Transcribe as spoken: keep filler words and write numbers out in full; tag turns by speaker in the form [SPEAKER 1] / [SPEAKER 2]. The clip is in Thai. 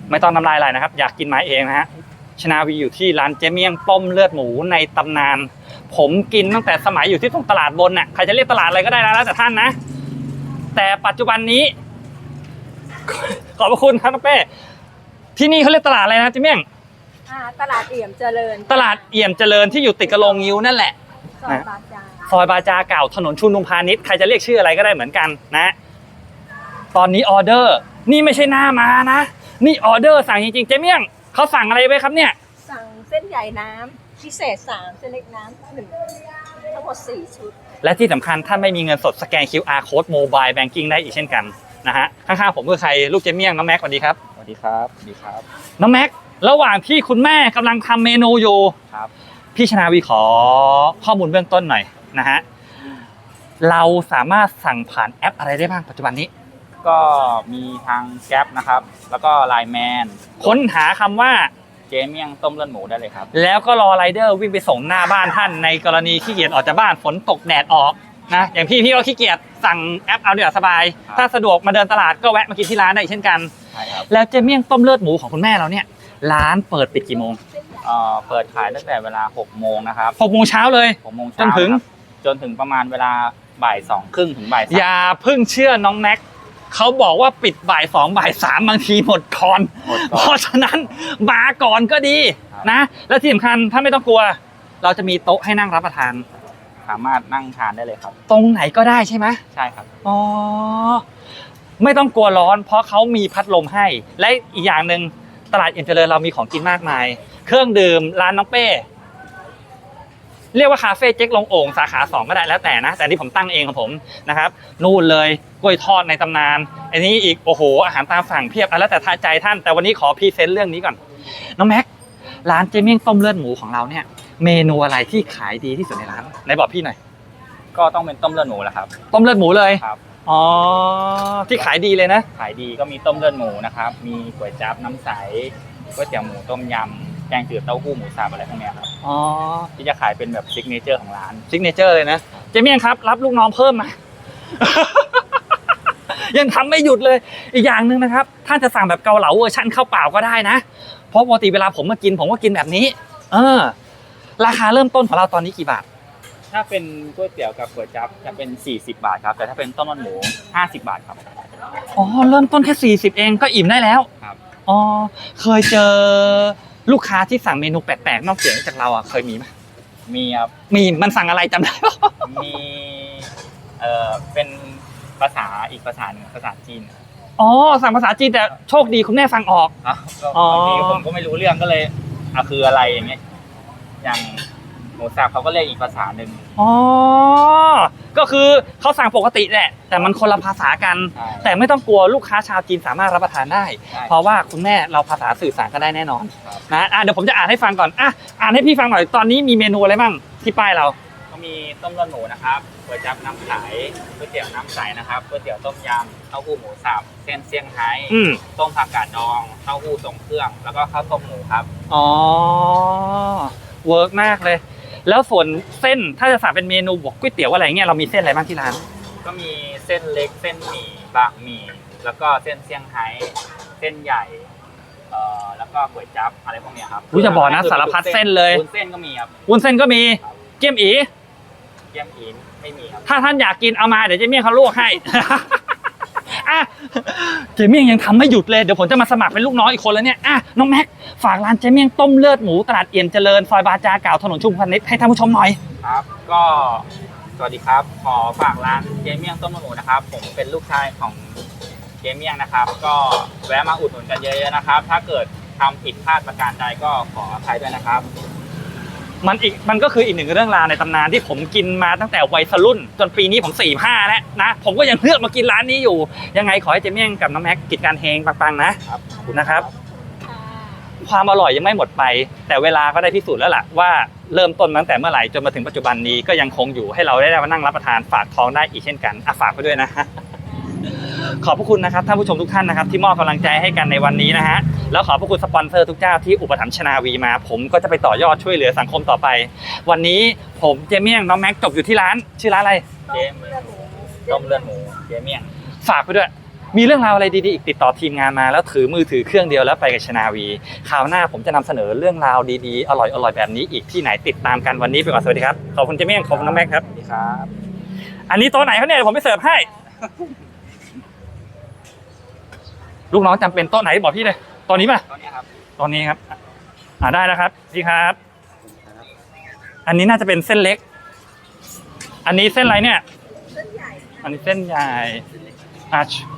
[SPEAKER 1] ไม่ต้องน้ำลายไหลนะครับอยากกินไม้เองนะฮะชนาวีอยู่ที่ร้านเจเมี่ยงต้มเลือดหมูในตำนานผมกินตั้งแต่สมัยอยู่ที่ตรงตลาดบนน่ะใครจะเรียกตลาดอะไรก็ได้นะแล้วแต่ท่านนะแต่ปัจจุบันนี้ขอบพระคุณครับน้องเป้ที่นี่เขาเรียกตลาดอะไรนะเจเมี่ยง
[SPEAKER 2] ตลาดเอี่ยมเจริญ
[SPEAKER 1] ตลาดเอี่ยมเจริญที่อยู่ติดกับโรงงิ้วนั่นแหละ
[SPEAKER 2] ซอยบาจา
[SPEAKER 1] ซอยบาจาเก่าถนนชุมนุมพาณิชย์ใครจะเรียกชื่ออะไรก็ได้เหมือนกันนะตอนนี้ออเดอร์นี่ไม่ใช่หน้ามานะนี่ออเดอร์สั่งจริงๆเจเมี่ยงเขาสั่งอะไรไว้ครับเนี่ย
[SPEAKER 2] สั่งเส้นใหญ่น้ำพิเศษสามเส้นเล็กน้ำหนึ่งทั้งหมดสี่ชุด
[SPEAKER 1] และที่สำคัญถ้าไม่มีเงินสดสแกน คิว อาร์ Code Mobile Banking ได้อีกเช่นกันนะฮะข้างๆผมคือใครลูกเจเมี่ยงน้องแม็กสวัสดีครับ
[SPEAKER 3] สวัสดีครับสวัสดีครับ
[SPEAKER 1] น้องแม็กระหว่างที่คุณแม่กำลังทำเมนูอยู่
[SPEAKER 3] ครับ
[SPEAKER 1] พี่ชนาวีขอข้อมูลเบื้องต้นหน่อยนะฮะเราสามารถสั่งผ่านแอปอะไรได้บ้างปัจจุบันนี้
[SPEAKER 3] ก็มีทางแก๊ปนะครับแล้วก็ไลน์แมน
[SPEAKER 1] ค้นหาคำว่า
[SPEAKER 3] เจเมี่ยงต้มเลือดหมูได้เลยครับ
[SPEAKER 1] แล้วก็รอไรเดอร์วิ่งไปส่งหน้าบ้านท่านในกรณีขี้เกียจออกจากบ้านฝนตกแดดออกนะอย่างพี่พี่ก็ขี้เกียจสั่งแอปเอาเดี๋ยวสบายถ้าสะดวกมาเดินตลาดก็แวะมากินที่ร้านได้เช่นกัน
[SPEAKER 3] ใช่ครับ
[SPEAKER 1] แล้วเจเมี่ยงต้มเลือดหมูของคุณแม่เราเนี่ยร้านเปิดปิดกี่โมง
[SPEAKER 3] เอ่อเปิดขายตั้งแต่เวลาหกโมงนะครับ
[SPEAKER 1] หกโมงเช้าเลย
[SPEAKER 3] หกโมงเช้าจนถึงจนถึงประมาณเวลาบ่ายสองครึ่งถึงบ่ายสาม
[SPEAKER 1] อย่าเพิ่งเชื่อน้องแม็กเขาบอกว่าปิดบ่ายสองบ่ายสามบางทีหมดก่อนเพราะฉะนั้นมาก่อนก็ดีนะและที่สำคัญถ้าไม่ต้องกลัวเราจะมีโต๊ะให้นั่งรับประทาน
[SPEAKER 3] สามารถนั่งทานได้เลยครับ
[SPEAKER 1] ตรงไหนก็ได้ใช่ไหม
[SPEAKER 3] ใช่ครับ
[SPEAKER 1] อ๋อไม่ต้องกลัวร้อนเพราะเขามีพัดลมให้และอีกอย่างหนึ่งตลาดเอ็มเจริญเรามีของกินมากมายเครื่องดื่มร้านน้องเป้เรียกว่าคาเฟ่เจ๊กลงโอ่งสาขาสองก็ได้แล้วแต่นะแต่ที่ผมตั้งเองของผมนะครับนู่นเลยกล้วยทอดในตำนานอันนี้อีกโอ้โหอาหารตามสั่งเพียบแล้วแต่ใจท่านแต่วันนี้ขอพรีเซนต์เรื่องนี้ก่อนน้องแม็กร้านเจเมี่ยงต้มเลือดหมูของเราเนี่ยเมนูอะไรที่ขายดีที่สุดในร้านไหนบอกพี่หน่อย
[SPEAKER 3] ก็ต้องเป็นต้มเลือดหมูแหละครับ
[SPEAKER 1] ต้มเลือดหมูเลย
[SPEAKER 3] ครับ
[SPEAKER 1] อ๋อที่ขายดีเลยนะ
[SPEAKER 3] ขายดีก็มีต้มเลือดหมูนะครับมีก๋วยจั๊บน้ำใสก๋วยเตี๋ยวหมูต้มยำแกงจืดเต้าหู้หมูสับอะไรพวกนี้ครับ
[SPEAKER 1] อ๋อ
[SPEAKER 3] ที่จะขายเป็นแบบซิกเนเจอร์ของร้าน
[SPEAKER 1] ซิกเนเจอร์เลยนะเจเมี่ยงครับรับลูกน้องเพิ่มมา ยังทำไม่หยุดเลยอีกอย่างหนึ่งนะครับท่านจะสั่งแบบเกาเหลาเวอร์ชั่นข้าวเปล่าก็ได้นะเพราะปกติเวลาผมมากินผมก็กินแบบนี้เออราคาเริ่มต้นของเราตอนนี้กี่บาท
[SPEAKER 3] ถ้าเป็นก๋วยเตี๋ยวกับก๋วยจั๊บจะเป็นสี่สิบบาทครับแต่ถ้าเป็นต้มเลือดหมูห้าสิบบาทครับ
[SPEAKER 1] อ๋อเริ่มต้นแค่สี่สิบเองก็อิ่มได้แล้ว
[SPEAKER 3] ครับ
[SPEAKER 1] อ๋อเคยเจอลูกค้าที่สั่งเมนูแปลกๆนอกเสียงจากเราอ่ะเคยมีไหม
[SPEAKER 3] มีครับ
[SPEAKER 1] มีมันสั่งอะไรจำได้
[SPEAKER 3] มีเอ่อเป็นภาษาอีกภาษาหนึ่งภาษาจีน
[SPEAKER 1] อ๋อสั่งภาษาจีนแต่โชคดีคุณแม่ฟังออก
[SPEAKER 3] อ๋อบางทีผมก็ไม่รู้เรื่องก็เลยอ่ะคืออะไรอย่างเงี้ยอย่างหมูสับเขาก็เรียกอีกภาษาหนึ่ง
[SPEAKER 1] อ๋อก็คือเขาสั่งปกติแหละแต่มันคนละภาษากันแต่ไม่ต้องกลัวลูกค้าชาวจีนสามารถรับประทานได้เพราะว่าคุณแม่เราภาษาสื่อสารกันได้แน่นอนนะอ่ะเดี๋ยวผมจะอ่านให้ฟังก่อนอ่ะอ่านให้พี่ฟังหน่อยตอนนี้มีเมนูอะไรบ้างที่ป้ายเรา
[SPEAKER 3] ก็มีต้มเลือดหมูนะครับก๋วยจั๊บน้ำใสก๋วยเตี๋ยวน้ำใสนะครับก๋วยเตี๋ยวต้มยำเต้าหู้หมูสับเส้นเซี่ยงไฮ้ต้มผักกาดดองเต้าหู้ทรงเครื่องแล้วก็ข้าวต้มหมูครับ
[SPEAKER 1] อ๋อเวิร์กมากเลยแล้วส่วนเส้นถ้าจะสั่งเป็นเมนูบวกก๋วยเตี๋ยวอะไรเงี้ยเรามีเส้นอะไรบ้างที่ร้าน
[SPEAKER 3] ก็มีเส้นเล็กเส้นหมี่บะหมี่แล้วก็เส้นเซี่ยงไฮ้เส้นใหญ่เอ่อแล้วก็ก๋วยจั๊บอะไรพวกนี้ครับ
[SPEAKER 1] รู้จะบอกนะสารพัดเส้นเลย
[SPEAKER 3] วุ้นเส้นก็มีครับ
[SPEAKER 1] วุ้นเส้นก็มีเกี๊ยมอี
[SPEAKER 3] เกี๊ยมอีไม่มีครับ
[SPEAKER 1] ถ้าท่านอยากกินเอามาเดี๋ยวเจเมี่ยงเขาลวกให้อ่ะเจเมี่ยงยังทำไม่หยุดเลยเดี๋ยวผมจะมาสมัครเป็นลูกน้องอีกคนแล้วเนี่ยอ่ะน้องแม็กฝากร้านเจเมี่ยงต้มเลือดหมูตลาดเอี่ยมเจริญซอยบาจาเก่าถนนชุมพาณิชย์ให้ท่านผู้ชมหน่อย
[SPEAKER 3] ครับก็สวัสดีครับขอฝากร้านเจเมี่ยงต้มเลือดหมูนะครับผมเป็นลูกชายของเจเมี่ยงนะครับก็แวะมาอุดหนุนกันเยอะๆนะครับถ้าเกิดทำผิดพลาดประการใดก็ขออภัยด้วยนะครับ
[SPEAKER 1] มันอีกมันก็คืออีกหนึ่งเรื่องราวในตำนานที่ผมกินมาตั้งแต่วัยรุ่นจนปีนี้ผมสี่ห้าแล้วนะผมก็ยังเลือกมากินร้านนี้อยู่ยังไงขอให้เจเมี่ยงกับน้องแม็กกิจการเฮงปังๆนะครับนะครับความอร่อยยังไม่หมดไปแต่เวลาก็ได้พิสูจน์แล้วล่ะว่าเริ่มต้นตั้งแต่เมื่อไหร่จนมาถึงปัจจุบันนี้ก็ยังคงอยู่ให้เราได้มานั่งรับประทานฝากท้องได้อีกเช่นกันอ่ะฝากไปด้วยนะขอบพระคุณนะครับท่านผู้ชมทุกท่านนะครับที่มอบกำลังใจให้กันในวันนี้นะฮะแล้วขอบพระคุณสปอนเซอร์ทุกเจ้าที่อุปถัมภ์ชนาวีมาผมก็จะไปต่อยอดช่วยเหลือสังคมต่อไปวันนี้ผมเจเมี่ยงน้องแม็กจบอยู่ที่ร้านชื่อร้านอะไร
[SPEAKER 3] เจเมี่ยงต้มเลือดหมูเจเมี่ยง
[SPEAKER 1] ฝากไปด้วยมีเรื่องราวอะไรดีๆอีกติดต่อทีมงานมาแล้วถือมือถือเครื่องเดียวแล้วไปกับชนาวีคราวหน้าผมจะนำเสนอเรื่องราวดีๆอร่อยๆแบบนี้อีกที่ไหนติดตามกันวันนี้ไปก่อนสวัสดีครับขอบคุณเจเมี่ยงขอบคุณน้องแม็กครับ
[SPEAKER 3] สวัสดีครับ
[SPEAKER 1] อันนี้โต๊ะไหนเขาเนี่ยเดี๋ยวผมไปเสิร์ฟให้ ลูกน้องจำเป็นโต๊ะไหนบอกพี่เลยตอนนี้ป่ะ
[SPEAKER 3] ตอนนี้ครับ
[SPEAKER 1] ตอนนี้ครับอ่าได้แล้วครับพี่ครับ อันนี้น่าจะเป็นเส้นเล็ก อันนี้เส้นอะไรเนี่ย
[SPEAKER 2] เส้นใหญ่
[SPEAKER 1] อันนี้เส้นใหญ่อ่ะ